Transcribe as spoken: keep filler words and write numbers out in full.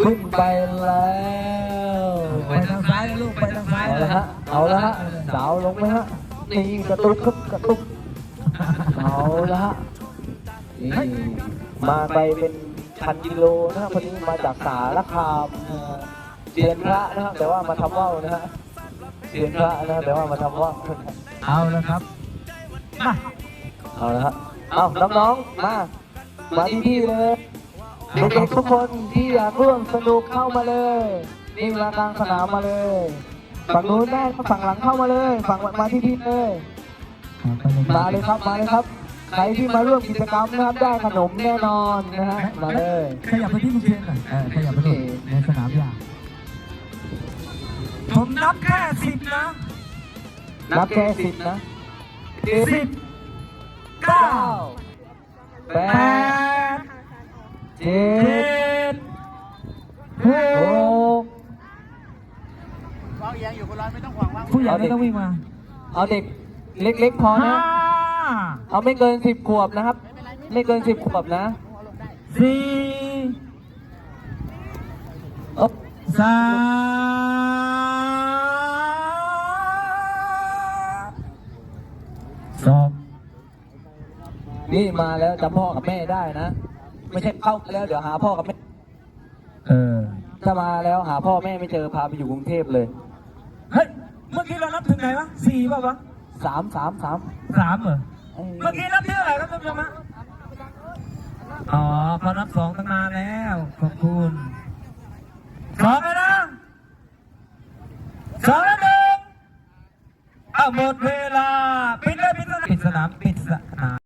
ขึ้นไปแล้วไปทางซ้ายนะลูกไปทางซ้ายเอาละฮะเอาละฮะสาวลงไหมฮะนี่กระตุกครับกระตุกเอาละฮะนี่มาไปเป็นพันกิโลนะครับพอดีมาจากสารคามเซียนพระนะครับแต่ว่ามาทำว่าวนะฮะเซียนพระนะแต่ว่ามาทำว่าวเอาแล้วครับมาเอาละฮะเอาน้องๆมามาที่พี่เลยเด็กๆทุกคนที่อยากร่วมสนุกเข้ามาเลยนี่มากลางสนามมาเลยฝั่งนู้นได้ฝั่งหลังเข้ามาเลยฝั่งมาที่พี่เลยมาเลยครับมาเลยครับใครที่มาร่วมกิจกรรมนะครับได้ขนมแน่นอนนะฮะมาเลยขยับไปที่ลุงเชนหน่อยเออขยับไปเลยในสนามหญ้าผมนับแค่สิบนะนับแค่สิบนะสิบเก้าแปแปดดเจ็เจ็ดดหหกกวางเอียงอยู่คนร้อยไม่ต้องห่วงวางผู้ใหญ่ไม่ต้องวิ่งมาเอาเด็กเล็กๆพอห้านะ เอาไม่เกินสิบขวบนะครับ ไม่เกินสิบขวบนะสี่โอ๊ะสามสองนี่มาแล้วจำพ่อกับแม่ได้นะ ไม่ใช่เข้ามาแล้วเดี๋ยวหาพ่อกับแม่เออถ้ามาแล้วหาพ่อแม่ไม่เจอพาไปอยู่กรุงเทพเลยเฮ้ย เมื่อกี้เรานับถึงไหนวะสี่ป่ะวะสามสามสามสามเหรอเอ้ยเมื่อกี้นับที่เท่าไหร่ครับท่านผู้ชมฮะอ๋อเขานับสองตั้งนานแล้ว ขอบคุณสองเลยนะสองแล้วหนึ่งเอาหมดเวลา ปิดเลยปิดเลยปิดสนามปิด